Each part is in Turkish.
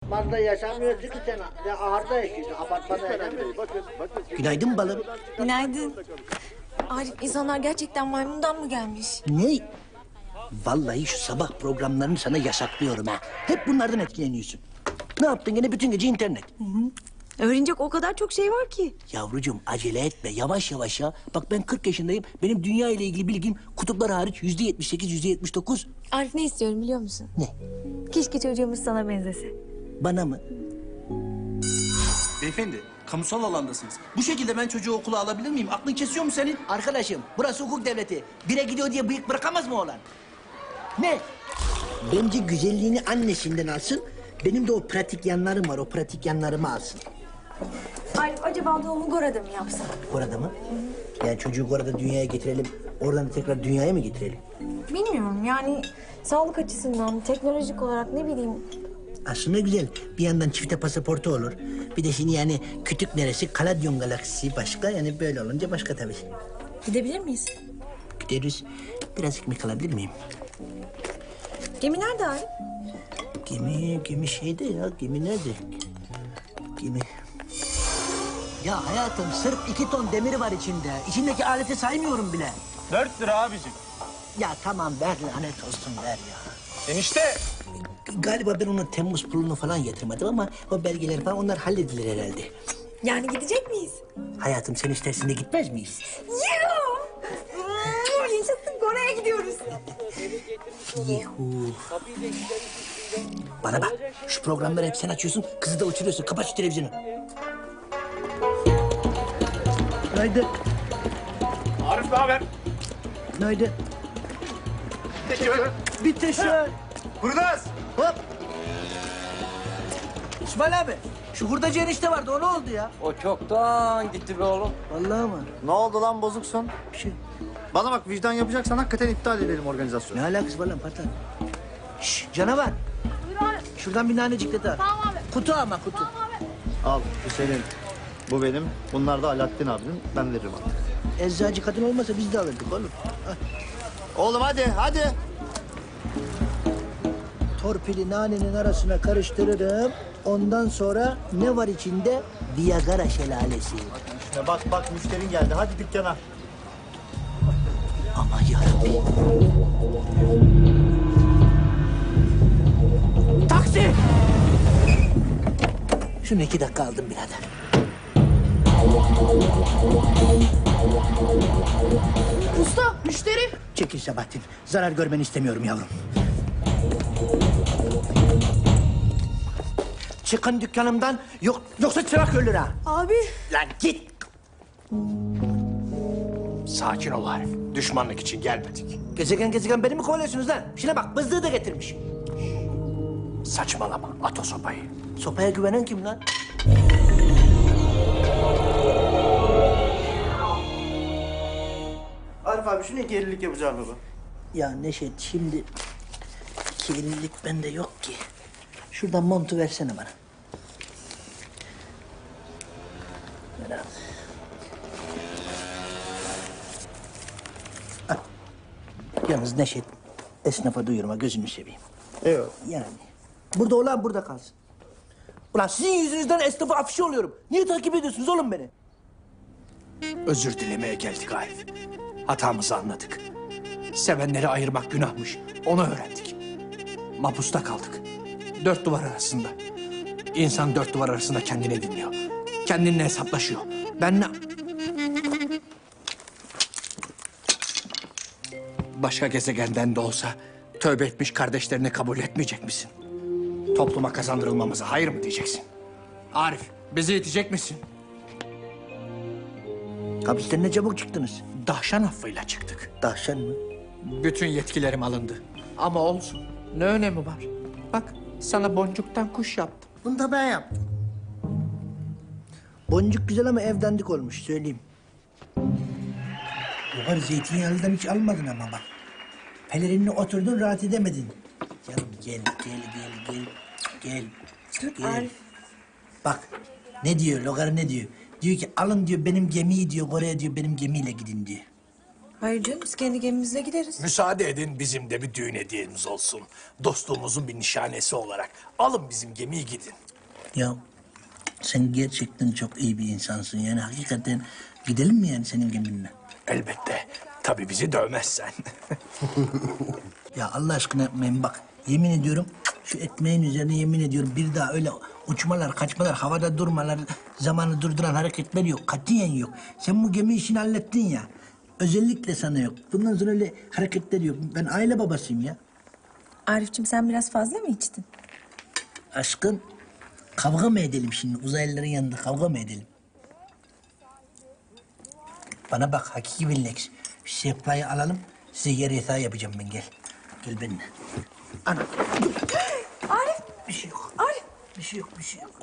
apartmanda yaşamıyorsun ki sen. Ya ahırda yaşıyorsun. Apartmanda yaşamıyorsun. Günaydın balım. Günaydın. Arif, insanlar gerçekten maymundan mı gelmiş? Ne? Vallahi şu sabah programlarını sana yasaklıyorum ha. Hep bunlardan etkileniyorsun. Ne yaptın gene bütün gece internet? Öğrenecek o kadar çok şey var ki. Yavrucuğum acele etme yavaş yavaş ya. Bak ben 40 yaşındayım. Benim dünya ile ilgili bilgim kutuplar hariç %78, %79. Arif, ne istiyorum biliyor musun? Ne? Keşke çocuğumuz sana benzese. Bana mı? Beyefendi, kamusal alandasınız. Bu şekilde ben çocuğu okula alabilir miyim? Aklın kesiyor mu senin? Arkadaşım burası hukuk devleti. Bire gidiyor diye bıyık bırakamaz mı oğlan? Ne? Bence güzelliğini annesinden alsın. Benim de o pratik yanlarım var. O pratik yanlarımı alsın. Arif, acaba doğumu Gora'da mı yapsak? Orada mı? Yani çocuğu orada dünyaya getirelim. Oradan da tekrar dünyaya mı getirelim? Bilmiyorum yani sağlık açısından, teknolojik olarak ne bileyim. Aslında güzel. Bir yandan çifte pasaportu olur. Bir de şimdi yani kütük neresi? Kaladyon galaksisi başka. Yani böyle olunca başka tabii. Gidebilir miyiz? Gideriz. Biraz ekmek alabilir miyim? Gemi nerede Arif? Gemi şeyde ya. Gemi nerede? Gemi... Ya hayatım sırf 2 ton demiri var içinde. İçindeki aleti saymıyorum bile. 4 lira abicim. Ya tamam ver lanet olsun ver ya. Enişte. Galiba ben onun Temmuz pulunu falan yatırmadım ama o belgeler falan onlar halledilir herhalde. Yani gidecek miyiz? Hayatım sen istersin de gitmez miyiz? Yuh! Yaşasın, Gora'ya gidiyoruz. Yuhu. Bana bak şu programları hep sen açıyorsun kızı da uçuruyorsun. Kapat şu televizyonu. Günaydın. Arif ne haber? Günaydın. Bir teşekkür. Kurnaz. Hop. İsmail abi şu hurdacı enişte vardı o ne oldu ya? O çoktan gitti be oğlum. Vallahi mı? Ne oldu lan bozuksun? Bir şey. Bana bak vicdan yapacaksan hakikaten iptal edelim organizasyonu. Ne alakası var lan patron? Şşş canavar. Şuradan bir nanecik de daha. Tamam abi. Kutu ama kutu. Al bu senin. Bu benim. Bunlar da Alaaddin abinin. Ben veririm artık. Eczacı kadın olmasa biz de alırdık oğlum. Al. Oğlum hadi. Torpili nanenin arasına karıştırırım. Ondan sonra ne var içinde? Viagra şelalesi. İşte bak müşterin geldi. Hadi dükkana. Aman yarabbim. Taksi! Şunu 2 dakika aldım birader. Usta, müşteri. Çekil Sabahattin. Zarar görmeni istemiyorum yavrum. Çıkın dükkanımdan. Yoksa çırak ölür ha. Abi. Lan git. Sakin ol Arif. Düşmanlık için gelmedik. Gezegen beni mi kovalıyorsunuz lan? Şuna bak bızlığı da getirmiş. Saçmalama, at o sopayı. Sopaya güvenen kim lan? Arif abi şunu 2.50'lik yapacağım baba. Ya Neşet şimdi 2.50'lik bende yok ki. Şuradan montu versene bana. Ver abi. Al. Yalnız Neşet esnafa duyurma gözünü seveyim. Eyvallah. Yani burada olan burada kalsın. Ulan sizin yüzünüzden esnafa afişe oluyorum. Niye takip ediyorsunuz oğlum beni? Özür dilemeye geldik Arif. Hatamızı anladık. Sevenleri ayırmak günahmış. Onu öğrendik. Mapusta kaldık. 4 duvar arasında. İnsan 4 duvar arasında kendini dinliyor. Kendinle hesaplaşıyor. Ben ne... Başka gezegenden de olsa tövbe etmiş kardeşlerini kabul etmeyecek misin? Topluma kazandırılmamıza hayır mı diyeceksin? Arif, bizi itecek misin? Hapisten ne çabuk çıktınız? Dahşan affıyla çıktık. Dahşan mı? Bütün yetkilerim alındı. Ama olsun. Ne önemi var? Bak, sana boncuktan kuş yaptım. Bunu da ben yaptım. Boncuk güzel ama ev dandik olmuş söyleyeyim. Yuvar zeytinyağlıdan hiç almadın ama bak. Pelerinle oturdun rahat edemedin. Canım gel. Arif. Bak ne diyor Logar ne diyor? Diyor ki alın diyor benim gemiyi diyor oraya diyor benim gemiyle gidin diyor. Hayır canım biz kendi gemimizle gideriz. Müsaade edin bizim de bir düğün hediyemiz olsun. Dostluğumuzun bir nişanesi olarak. Alın bizim gemiyi gidin. Ya sen gerçekten çok iyi bir insansın. Yani hakikaten gidelim mi yani senin geminle? Elbette. Tabii bizi dövmezsen. Ya Allah aşkına yapmayın bak. Yemin ediyorum şu ekmeğin üzerine yemin ediyorum bir daha öyle uçmalar, kaçmalar, havada durmalar, zamanı durduran hareketler yok. Katiyen yok. Sen bu gemi işini hallettin ya. Özellikle sana yok. Bundan sonra öyle hareketler yok. Ben aile babasıyım ya. Arif'cim sen biraz fazla mı içtin? Aşkım kavga mı edelim şimdi? Uzaylıların yanında kavga mı edelim? Bana bak hakiki Villex. Bir sehpayı alalım. Size yer yatağı yapacağım ben gel. Gel benimle. Ana. Arif! Bir şey yok. Arif! Bir şey yok, bir şey yok.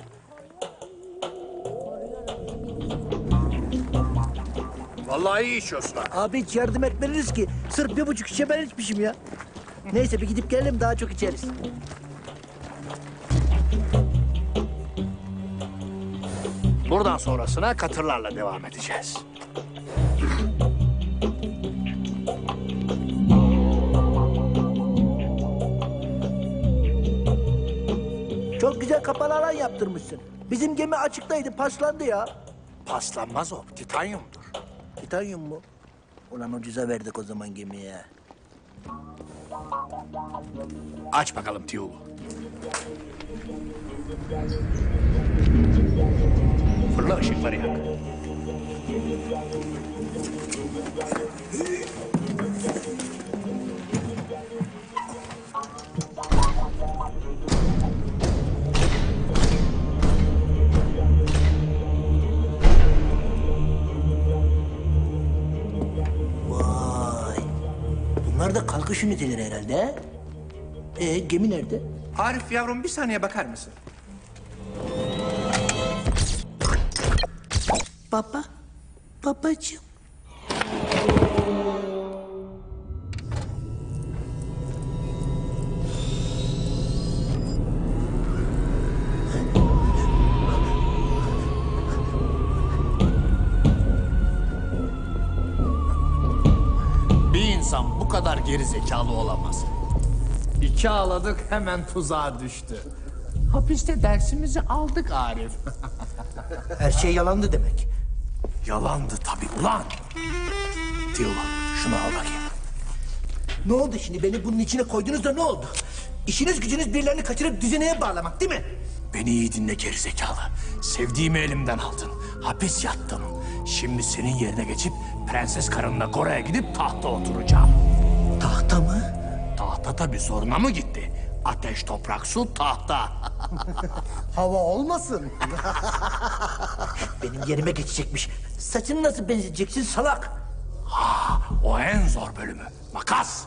Vallahi iyi içiyorsun ha. Abi hiç yardım etmediniz ki. Sırf 1,5 şişe ben içmişim ya. Neyse bir gidip gelelim daha çok içeriz. Buradan sonrasına katırlarla devam edeceğiz. Çok güzel kapalı alan yaptırmışsın. Bizim gemi açıktaydı, paslandı ya. Paslanmaz o, titanyumdur. Titanyum mu? Ulan ucuza verdik o zaman gemiye. Aç bakalım tiyulu. Fırla ışıkları yak. Vay. Bunlar da kalkış üniteleri herhalde. Gemi nerede? Arif yavrum bir saniye bakar mısın? Baba. Babacığım. Bir insan bu kadar geri zekalı olamaz. İki ağladık hemen tuzağa düştü. Hapiste dersimizi aldık Arif. Her şey yalandı demek. Yalandı tabii ulan. Tiyulu şunu al bakayım. Ne oldu şimdi? Beni bunun içine koydunuz da ne oldu? İşiniz gücünüz birilerini kaçırıp düzeneye bağlamak değil mi? Beni iyi dinle gerizekalı. Sevdiğimi elimden aldın. Hapis yattım. Şimdi senin yerine geçip prenses karınla Gora'ya gidip tahta oturacağım. Tahta mı? Tahta tabii zoruna mı gitti? Ateş, toprak, su, tahta. Hava olmasın. Benim yerime geçecekmiş. Saçını nasıl benzeteceksin salak? O en zor bölümü. Makas.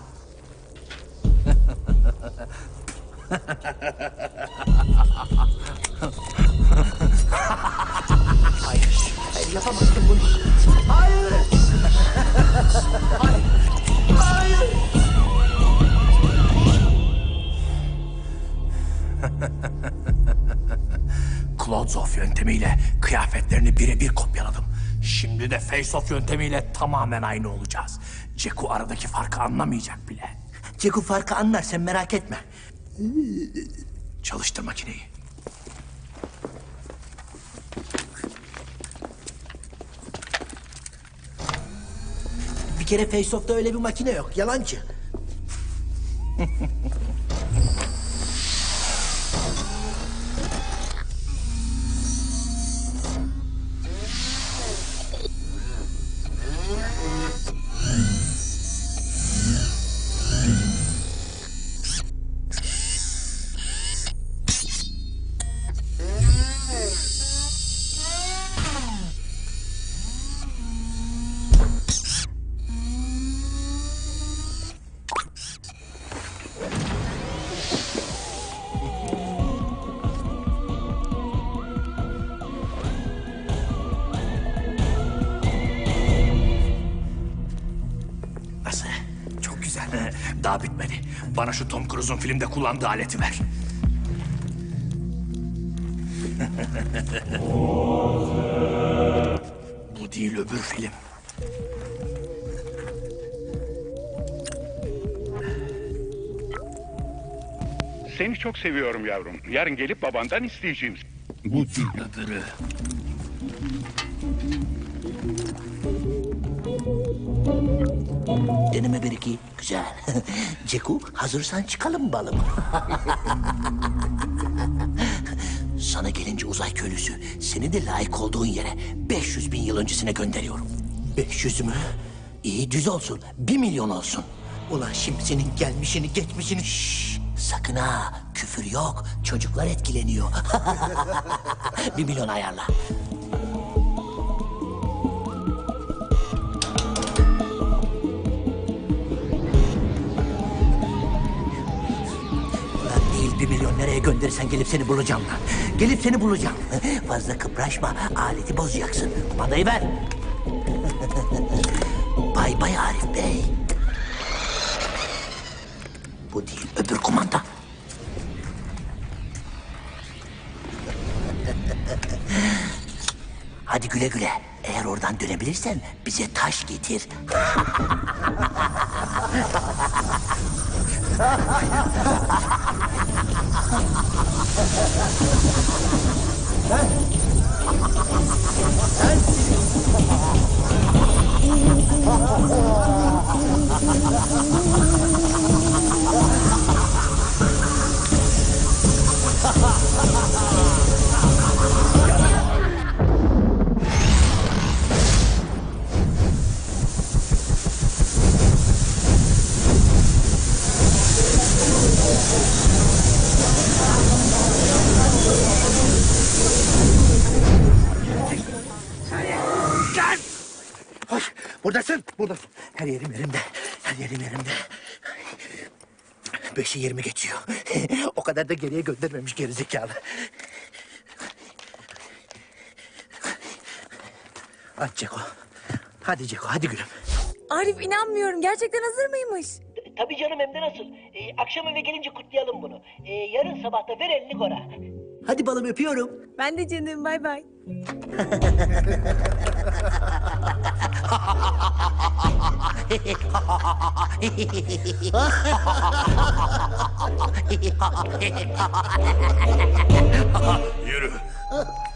Hayır yapamazsın bunu. Hayır. Hayır. Hayır. Clothes-off yöntemiyle kıyafetlerini birebir kopyaladım. Şimdi de face-off yöntemiyle tamamen aynı olacağız. Ceku aradaki farkı anlamayacak bile. Ceku farkı anlar sen merak etme. Çalıştır makineyi. Bir kere Face-Off'ta öyle bir makine yok. Yalancı. Nasıl? Çok güzel. Daha bitmedi. Bana şu Tom Cruise'un filmde kullandığı aleti ver. Bu değil öbür film. Seni çok seviyorum yavrum. Yarın gelip babandan isteyeceğim. Bu değil öbürü. Deneme bir iki. Güzel. Ceku hazırsan çıkalım balım. Sana gelince uzay köylüsü seni de layık olduğun yere 500 bin yıl öncesine gönderiyorum. 500 mü? İyi düz olsun. 1 milyon olsun. Ulan şimdi senin gelmişini geçmişini... Şşş, sakın ha küfür yok. Çocuklar etkileniyor. 1 milyon ayarla. Değil 1 milyon nereye gönderirsen gelip seni bulacağım lan. Gelip seni bulacağım. Fazla kıpraşma, aleti bozacaksın. Kumandayı ver. Bay bay Arif Bey. Bu değil, öbür kumanda. Hadi güle güle. Eğer oradan dönebilirsen bize taş getir. Hoş, buradasın, buradasın. Her yerim yerimde, her yerim yerimde. 5'i 20 geçiyor. O kadar da geriye göndermemiş gerizekalı. Hadi Ceko. Hadi Ceko, hadi gülüm. Arif inanmıyorum. Gerçekten hazır mıymış? Tabii canım hem de nasıl. Akşam eve gelince kutlayalım bunu. Yarın sabah da ver elini Gora. Hadi balım öpüyorum. Ben de canım. Bay bay. Yürü.